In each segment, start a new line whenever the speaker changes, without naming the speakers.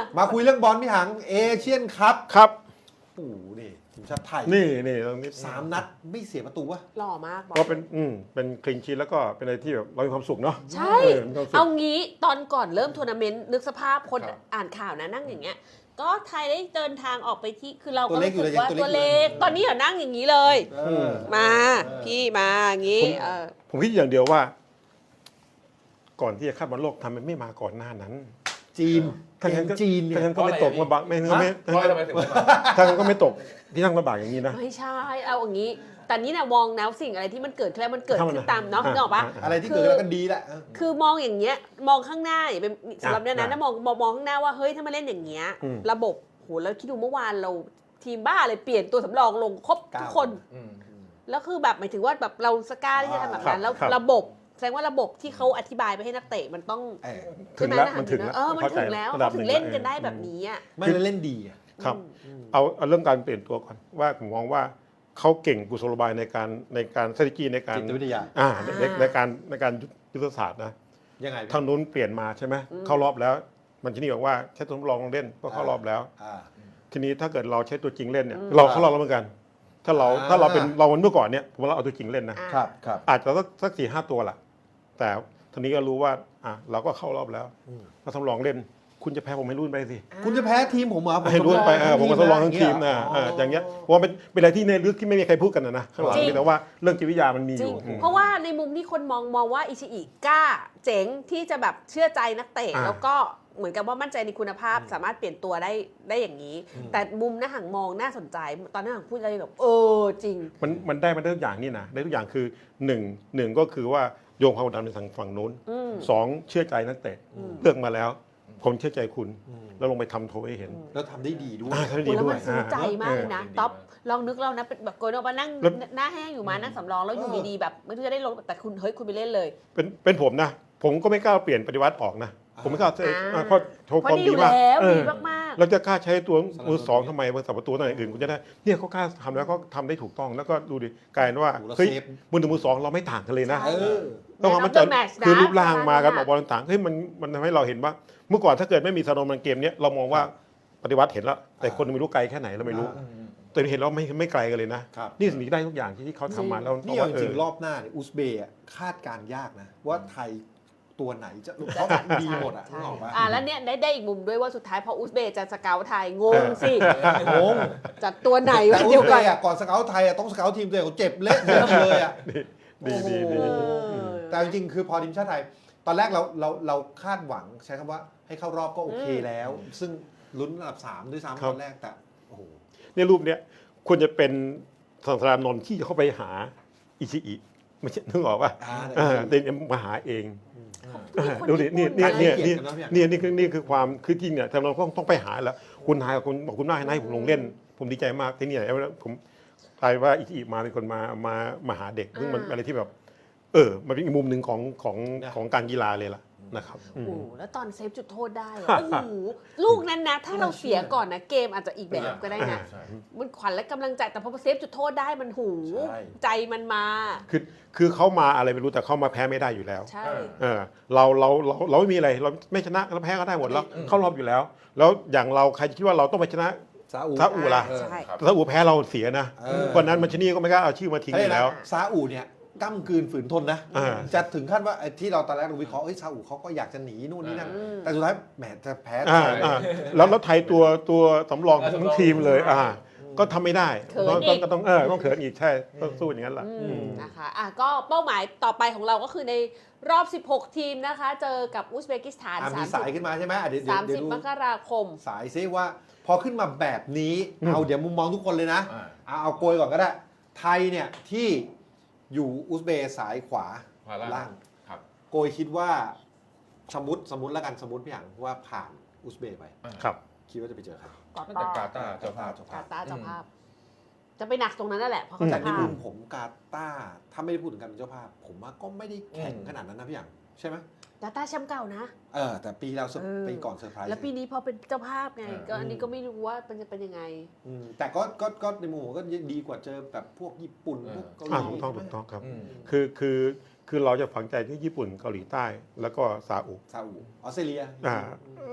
มาคุยเรื่องบอลพี่หังเอเชียนคัพ
ครับ
โอ้โหนี่ทีมชาติไทย
นี่ตรงนี้
3 นัดไม่เสียประตูวะ
หล่อมากบอ
ก็
ล
เป็นคลีนชีทแล้วก็เป็นอะไรที่แบบเรามีความสุขเนาะ
ใช่
มีความสุข
เอางี้ตอนก่อนเริ่มทัวร์นาเมนต์นึกสภาพคนอ่านข่าวนะนั่งอย่างเงี้ยก็ไทยได้เดินทางออกไปที่คือเราก็รู้สึกว่าตัวเล็กตอนนี้อย่านั่งอย่างนี้เลย มาพี่มาอย่างงี้
ผมคิดอย่างเดียวว่า ก่อนที่จะคัดบอลโลกทำไมไม่มาก่อนหน้านั้น
จีน
ถ้างั้นก็
จีนเนี่ย
ถ้างั้นก็ไม่ตกมาบักไม่
เพราะทำไมถึงไม่มา
ถ้างั้นก็ไม่ตกที่นั่งลำบากอย่างนี้นะ
ไม่ใช่เอาอย่างนี้แต่นี่นะมองแนวสิ่งอะไรที่มันเกิดขึ้นแล้วมันเกิดขึ้นตามเนาะ
อ่า
นึกออกปะ
อะไรที่เกิดขึ้นแล้วก็ดีแหละ
คือมองอย่างเงี้ยมองข้างหน้าอย่าเป็นสำหรับเนี่ยนะ
อ่ะ
มองข้างหน้าว่าเฮ้ยถ้ามาเล่นอย่างเงี้ย
อืม
ระบบโหแล้วคิดดูเมื่อวานเราทีมบ้าเลยเปลี่ยนตัวสำรองลงครบทุกคน แล้วคือแบบหมายถึงว่าแบบเราสกล้าที่จะทำแบบนั้นแล้วระบบแสดงว่าระบบที่เขาอธิบายไปให้นักเตะมันต้อง
ถึงแล้วมันถึงแล้ว
มันถึงแล้วเขาถึงเล่นกันได้แบบนี้อ่ะ
ไม่ได้เล่นดีอะ
ครับเอาเรื่องการเปลี่ยนตัวก่อนว่าผมมองว่าเขาเก่งกุศโลบายในการ strategy ในการ
จิตวิทยา
ในการยุทธศาสตร์นะ
ยังไง
ทางนู้นเปลี่ยนมาใช่ไหมเข้ารอบแล้ว มันที่นี่บอกว่าใช้ตัวทดลองเล่นก็เข้ารอบแล้ว
อ่า
ทีนี้ถ้าเกิดเราใช้ตัวจริงเล่นเนี่ยเราเข้ารอบแล้วเหมือนกัน ถ้าเราเป็นเราเมื่อก่อนเนี่ยผมว่าเราเอาตัวจริงเล่นนะ
ครับครับ
อาจจะสัก4-5 ตัวล่ะ แต่ทีนี้ก็รู้ว่าเราก็เข้ารอบแล้วเราทดลองเล่น คุณจะแพ้ผมให้รุ่นไปสิ
คุณจะแพ้ทีมผมเหรอ
ให้รุ่นไปผมก็ทดลองทั้งทีม
นะ
อย่างเงี้ยเพราะว่าเป็นอะไรที่ในลึกที่ไม่มีใครพูดกันนะข้างหลังแต่ว่าเรื่องจิตวิทยามันมีอ
จริง
ยู่
เพราะว่าในมุมที่คนมองว่าอิชิอิกล้าเจ๋งที่จะแบบเชื่อใจนักเตะแล้วก็เหมือนกับว่ามั่นใจในคุณภาพสามารถเปลี่ยนตัวได้อย่างนี้ แต่มุมหน้าหังมองน่าสนใจ ตอนหน้าหังพูดอะไรแบบจริง
มันได้มาได้ทุกอย่างนี่นะได้ทุกอย่างคือหนึ่งก็คือว่าโยงความกดดันในทางฝั่งนู้นสองเชื่อใจนักเตะเลือกมาแล้ว ผมเชื่อใจคุณแล้วลงไปทำโทให้เห็น
แล้วทำได้ดีด้วย
ทำได้
โอ้
ดี
แล้ว
ด้ว
มั
ย
นซื้อใจมากเลยนะ
ดี
ท็อป
มาก
ลองนึกเรานะเป็นแบบโกยโนมานั่ง
แล้ว
หน้าแห้งอยู่มานั่งสำรองแล้วอยู่ดีๆแบบไม่รู้จะได้ลงแต่คุณไปเล่นเลย
เป็นผมนะ ผมก็ไม่กล้าเปลี่ยนปฏิวัติออกนะ ผมไม่กล้าเพราะโชว์
เพ
ควา
ราะ
ม
ดี
ดี
อยู่
มาก
แล้วดีมาก
เราจะกล้าใช้ตัวมือสองทำไมมือสับประตูตัวอื่นคุณจะได้เนี่ยเขากล้าทำแล้วก็ทำได้ถูกต้องแล้วก็ดูดิกลายเป็นว่า
โอ้โหแล้ว
เฮ้ย
เซฟ
มือหนึ่งมือสองเราไม่ต่างกันเลยนะ
ใช่
ต้องความมั่นใจ
Man of the match นะ
คือรูปร่างมากัน
ใช่
ออกบอลต่างๆเฮ้ยมันทำให้เราเห็นว่า เมื่อก่อนถ้าเกิดไม่มีสโนว์มันเกมเนี้ยเรามองว่าปฏิวัติเห็นแล้ว แต่คนไม่รู้ไกลแค่ไหนเราไม่รู้แต่เห็นแล้วไม่ไกลกันเลยนะครับ นี่สิ่งที่ได้ทุกอย่างที่เขาทำมาแล้ว
นี่เอาจริงๆรอบหน้าเนี่ยอุซเบย์อะคาดการณ์ยากนะ ว่าไทยตัวไหนจะเพราะดีหมดอ่ะ
ใช่
นึกออกปะ
แล้วเนี่ยได้อีกมุมด้วยว่าสุดท้ายพออุซเบย์จะสเกลไทยงงสิ
งง
จัดตัวไหน
แต่
วะ
อุ
เดี
ซ
ยว
เบ
กัน
ย์อะก่อนสเกลไทยอะต้องสเกลทีมตัวเองเขาเจ็บเละเทะเลยอะ
ดี
แต่จริงๆคือพอทีมชาติไทย ตอนแรกเราคาดหวังใช้คำว่าให้เข้ารอบก็โอเคแล้ว ซึ่งลุ้นอันดับ3ด้วยซ้ำตอนแรกแต่โอ้โห
เนี่ยรูปเนี้ยควรจะเป็นสังสารนนท์ที่จะเข้าไปหาอิชิอิไม่ใช่นึกออกป่ะเดินมาหาเองดูดินี่คือความคือจริงเนี่ยแต่เราต้องไปหาแล้วคุณนายคุณบอกคุณนายให้ผมลงเล่น ผมดีใจมากที่นี่ผมกลายว่าอิชิอิมาเป็นคนมาหาเด็กซึ่งมันอะไรที่แบบมันเป็นอีกมุมหนึ่งของการกีฬาเลยล่ะนะครับ
โอ้โหแล้วตอนเซฟจุดโทษได้อะโอ้โหลูกนั้นนะ ถ้าเราเสียก่อนนะเกมอาจจะอีกแบบก็ได้นะ
ใช่
มันขวัญและกำลังใจแต่พอเซฟจุดโทษได้มันหู
ใช่
ใจมันมา
คือเขามาอะไรไม่รู้แต่เขามาแพ้ไม่ได้อยู่แล้ว
ใช่
เราไม่มีอะไรเราไม่ชนะเราแพ้ก็ได้หมดแล้วเข้ารอบอยู่แล้ว แล้วอย่างเราใครคิดว่าเราต้องไปชนะ
ซาอุ
ซาอุล่ะ
ใช่
ซาอุแพ้เราเสียนะเพราะนั้นมันชนีก็ไม่กล้าเอาชื่อมาทิ้งอยู่แล้ว
ซาอุเนี่ยก้ำกืนฝืนทนนะ จะถึงขั้นว่าไอ้ที่เราตอนแรกเราวิเคราะห์ซาอุเขาก็อยากจะหนีนู่นนี่นั่นแต่สุดท้ายแหมจะแพ้
แล้วไทยตัวสำรองทั้งทีมเลยก็ทำไม่ได้
เขินอีก
ก็ต้องเขินอีกใช่ต้องสู้อย่างนั้นแหละ
นะคะก็เป้าหมายต่อไปของเราก็คือในรอบ 16 ทีมนะคะ เจอกับอุซเบกิสถาน
มีสายขึ้นมาใช่ไหมเดี๋ยวดู
30 มกราคม
สายซิว่าพอขึ้นมาแบบนี้เอาเดี๋ยวมุมมองทุกคนเลยนะเอาโกยก่อนก็ได้ไทยเนี่ยที่อยู่อุซเบย์สายขวาล่าง
ครับ
โกยคิดว่าสมมติแล้วกันสมมติพี่อย่างว่าผ่านอุซเบย์ไป
ครับ
คิดว่าจะไปเจอใคร
น่าจะกาตาร์เจ้าภาพ
กาตาร์เจ้าภาพ จะไปหนักตรงนั้นนั่นแหละเพราะเขา
แต่
จะ
ใน
พา
มุมผมกาตาร์ถ้าไม่ได้พูดถึงการเป็นเจ้าภาพ ผมว่าก็ไม่ได้แข่งขนาดนั้นนะพี่อย่างใช่ไหม
กาตาร์แชมป์เก่านะ
แต่ปีเราปีก่อนเซอร์ไพรส์
แล้วปีนี้พอเป็นเจ้าภาพไงก็อันนี้ก็ไม่รู้ว่ามันจะเป็นยังไง
แต่ก็ในมุมผมก็ดีกว่าเจอแบบพวกญี่ปุ่นพวกเกาหลี
ถูกต้องครับคือเราจะฝังใจที่ญี่ปุ่นเกาหลีใต้แล้วก็ซาอุ
ซาอุออสเตรเลีย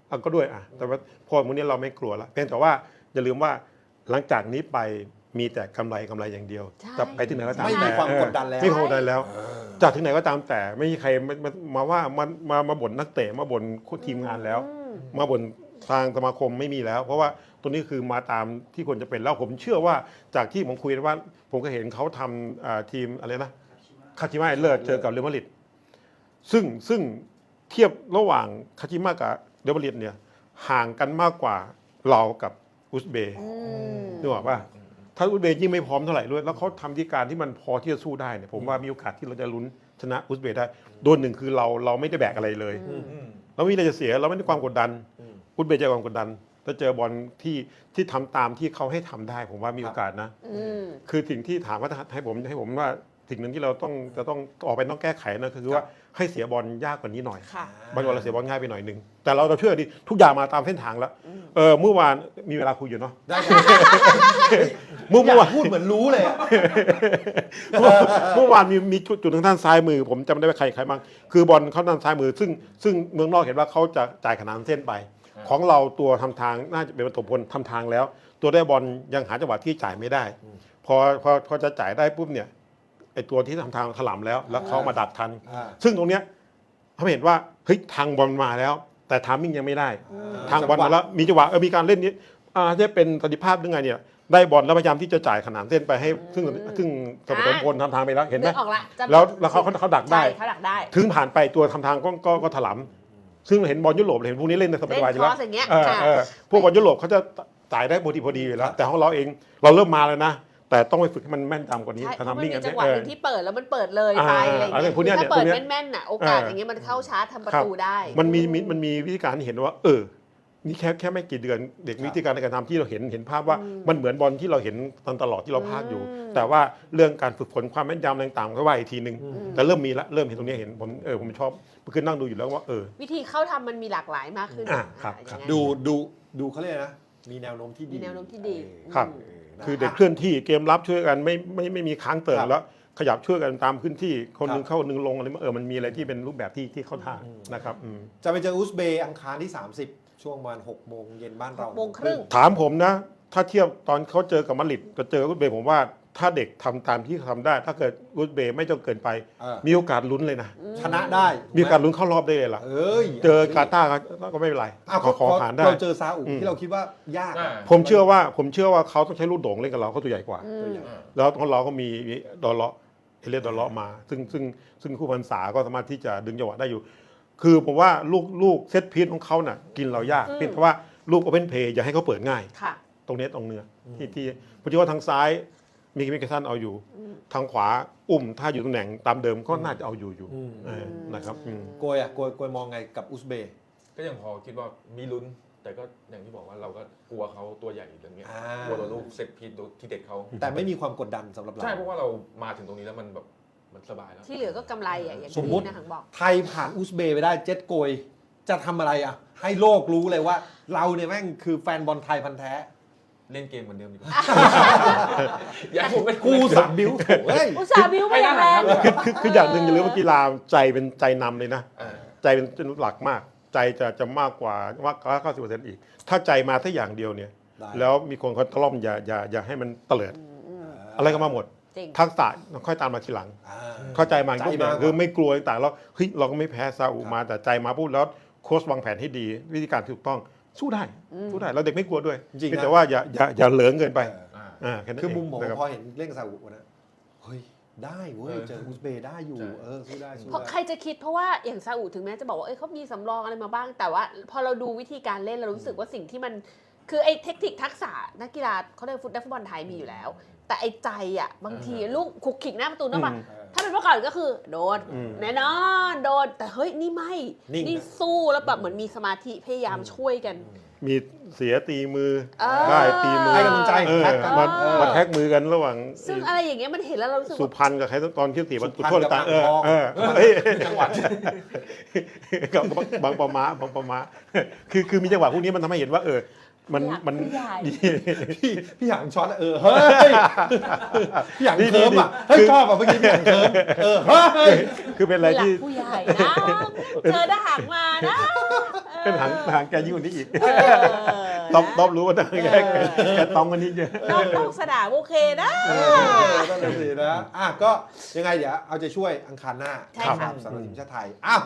ก็ด้วยแต่ว่าพอพวกนี้เราไม่กลัวละเพียงแต่ว่าอย่าลืมว่าหลังจากนี้ไปมีแต่กำไรอย่างเดียว
ใช่
จะไปที่ไหนก็ตาม
ไม่
แต่
มีความกดดันแล้ว
ไม่มีความกดดันแล้วจากที่ไหนก็ตามแต่ไม่มีใครมาว่ามาบ่นนักเตะมาบ่นทีมงานแล้ว มาบ่นทางสมาคมไม่มีแล้ว เพราะว่าตัวนี้คือมาตามที่ควรจะเป็นแล้วผมเชื่อว่าจากที่ผมคุยว่าผมก็เห็นเขาทำทีมอะไรนะคาชิมะเลิศเจอกับเรอัลมาดริดซึ่งเทียบระหว่างคาชิมะกับเรอัลมาดริดเนี่ยห่างกันมากกว่าเรากับอุซเบย์นึกออกป่ะถ้าอุซเบย์ยิ่งไม่พร้อมเท่าไหร่ด้วยแล้วเขาทำที่การที่มันพอที่จะสู้ได้เนี่ยผมว่ามีโอกาสที่เราจะลุ้นชนะอุซเบย์ได้โดนหนึ่งคือเราไม่ได้แบกอะไรเลยเราไม่มีอะไรจะเสียเราไม่ได้ความกดดันอุซเบย์จะความกดดันถ้าเจอบอลที่ทำตามที่เขาให้ทำได้ผมว่ามีโอกาสนะคือสิ่งที่ถามว่าให้ผมว่าสิ่งหนึ่งที่เราจะต้องออกไปต้องแก้ไขนะคือว่าให้เสียบอลยากกว่านี้หน่อยบางวันเราเสียบอลง่ายไปหน่อยนึงแต่เราเชื่อดิทุกอย่างมาตามเส้นทางแล้วเมื่อวานมีเวลาคุยอยู่เนาะ
ได้
เมื่อวาน
พูดเหมือนรู้เลยอะ
เมื่อวานมีจุดทางด้านซ้ายมือผมจำไม่ได้ว่าใครบ้างคือบอลเข้าด้านซ้ายมือซึ่งเมืองนอกเห็นว่าเขาจะจ่ายขนานเส้นไปของเราตัวทำทางน่าจะเป็นประตูพลทำทางแล้ว ตัวได้บอลยังหาจังหวะที่จ่ายไม่ได้พอจะจ่ายได้ปุ๊บเนี่ยไอตัวที่ทำทางถล่มแล้วเขามาดักทันซึ่งตรงเนี้ยเขาเห็นว่าเฮ้ยทางบอลมาแล้ว แต่ทามมิ่งยังไม่ได้ทางบอลมาแล้วมีจังหวะมีการเล่นนี้จะเป็นประสิทธิภาพยังไงเนี่ยได้บอลแล้วพยายามที่จะจ่ายขนานเส้นไปให้ซึ่งสมพลทำทางไปแล้วเห็นไหม
ออกละ
แล้วเขาดักได้
เขาดักได้
ถึงผ่านไปตัวทำทางก็ถลำซึ่งเห็นบอลยุโรปเห็นพวกนี้เล่นในสบายๆอยู่แล้วพวกบอลยุโรปเขาจะจ่ายได้พอดีอยู่แล้วแต่ของเราเองเราเริ่มมาแล้วนะแต่ต้องไปฝึกให้มันแม่นยำกว่านี้
ใช่เพราะมัน
มิ่ง
มี
กัน
จังหวะหนึ่งที่เปิดแล้วมันเปิดเลยไปอะไรอย่างเงี้ย
พวกเนี้ย
ถ้าเปิด
เนี่ย
แม่นๆน่ะโอกาสอย่างเงี้ยมันเข้าชาร์จทำประตูได้
มันมีวิธีการที่เห็นว่านี่แค่ไม่กี่เดือนเด็กวิธีการในการทำที่เราเห็นภาพว่ามันเหมือนบอลที่เราเห็นตลอดที่เราพากอยู่ แต่ว่าเรื่องการฝึกฝนความแม่นยำต่างๆก็ว่าอีกทีนึงแต่เริ่มมีละเริ่มเห็นตรงนี้เห็นผมชอบคือนั่งดูอยู่แล้วว่า
วิธีเข้าทำมันมีหลากหลายมากขึ้น
ครับ
อย่างนั้น
ดูเขาเรียกนะมีแนวโน้มที่ดี
มีแนวโน้มที่ดี
ครับคือเด็กเคลื่อนที่เกมรับช่วยกันไม่มีค้างเติ่งแล้วขยับช่วยกันตามพื้นที่คนนึงเข้านึงลงอะไรมันมีอะไรที่เป็นรูปแบบที่เข้าท่านะครับ
จะไปเจออุซเบย์อังคารที่ 30 ช่วงประมาณ6 โมงเย็นบ้านเรา
6 โมงครึ่ง
ถามผมนะถ้าเทียบตอนเขาเจอกับมาดริดกับเจออุซเบย์ผมว่าถ้าเด็กทำตามที่ทำได้ ถ้าเกิดอุซเบย์ไม่จนเกินไปมีโอกาสลุ้นเลยนะ
ชนะได้
มีโอกาสลุ้นเข้ารอบได้เลยล่ะเจอกาตาร์ก็ไม่เป็นไรขอผ่านได้
เราเจอซาอุที่เราคิดว่ายาก
ผมเชื่อว่าเขาต้องใช้ลูกโด่งเล่นกับเราเขาตัวใหญ่กว่าแล้วของเราก็มีดอลเลาะเอเลียดดอลเลาะมาซึ่งคู่พรรษาก็สามารถที่จะดึงจังหวะได้อยู่ คือผมว่าลูกเซตพีซของเขาน่ะกินเรายากเพราะว่าลูกโอเพนเพย์อย่าให้เขาเปิดง่ายตรงนี้ตรงเนื้อที่ผมคิดว่าทางซ้ายมีมิกซันเอาอยู่ทางขวาถ้าอยู่ตำแหน่งตามเดิมก็น่าจะเอาอยู่นะครับ
โกยมองไงกับอุซเบย์
ก็ยังพอคิดว่ามีลุ้นแต่ก็อย่างที่บอกว่าเราก็กลัวเขาตัวใหญ่อย่างเงี้ยกลัวตัวลูกเซตพีซที่เด็ดเขา
แต่ไม่มีความกดดันสำหรับเรา
ใช่เพราะว่าเรามาถึงตรงนี้แล้วมันแบบมันสบายแล้ว
ที่เหลือก็กำไรอย่าง
สมมติ
นะหังบอก
ไทยผ่านอุซเบย์ไปได้เจ็ดโกยจะทำอะไรให้โลกรู้เลยว่าเราเนี่ยแม่งคือแฟนบอลไทยพันธุ์แท้
เล่นเกมเหมือนเดิมดีกว่าอย่าผมเป็น
กูสับบิ้ว
อุตส่าห์บิ้วไปอย่างแรง
คืออย่างหนึ่งอย่าลืมว่ากีฬาใจเป็นใจนำเลยนะใจเป็นหลักมากใจจะมากกว่า90%อีกถ้าใจมาแค่อย่างเดียวเนี่ยแล้วมีคนเขาตะล่อมอย่าให้มันเตลิดอะไรก็มาหมดทักษะค่อยตามมาทีหลังเข้าใจมาปุ๊บเนี่ยคือไม่กลัวต่างแล้วเฮ้ยเราก็ไม่แพ้ซาอุมาแต่ใจมาปุ๊บแล้วโค้ชวางแผนให้ดีวิธีการถูกต้องสู้ได้เราเด็กไม่กลัวด้วยจริงแต่ว่าอย่าเหลิงเกินไป
คือมุมผมพอเห็นเล่นซาอุนะเฮ้ยได้เว้ยเจออุซเบย์ได้อยู่สู้ได้
เพราะใครจะคิดเพราะว่าอย่างซาอุถึงแม้จะบอกว่าเขามีสำรองอะไรมาบ้างแต่ว่าพอเราดูวิธีการเล่นเรารู้สึกว่าสิ่งที่มันคือไอ้เทคนิคทักษะนักกีฬาเขาเรียกนักฟุตบอลไทยมีอยู่แล้วแต่ไอ้ใจบางทีลูกขุกขิกหน้าประตูนะป่ะถ้าเป็นเมื่อก่อนก็คือโดนแน่นอนโดนแต่เฮ้ยนี่ไม่นี่สู้แล้วแบบเหมือนมีสมาธิพยายามช่วยกัน
มีเสียตีมือได้ตีมือ
ให้กำลังใจ
มาแท็กมือกันระหว่าง
ซึ่งอะไรอย่างเงี้ยมันเห็นแล้วเรารู้สึก
สุพรรณกับใครตอนที่ตีมันโทษต่าง
จังหวัด
กับบางประมาคือมีจังหวะพวกนี้มันทำให้เห็นว่ามัน
ผู้ใหญ่
พี่หยางช็อตเฮ้ยพี่หยางเคิร์มเฮ้ยชอบเมื่อกี้พี่หยางเคิร์มเฮ้ย
คือเป็นอะไรที่
ผู้ใหญ่นะ เจอทหารมานะ
เป็นหางแกยิ่งกว่านี้อีก
เออ
ต้อมรู้ว่าแกต้องกันนี้เยอะ
น้องสนามโอเคนะ
นั่นแหละสินะก็ยังไงเดี๋ยวเอาใจช่วยอังคารหน้า
ใช่ค่ะ
สำหรับทีมชาติไทยอ้าว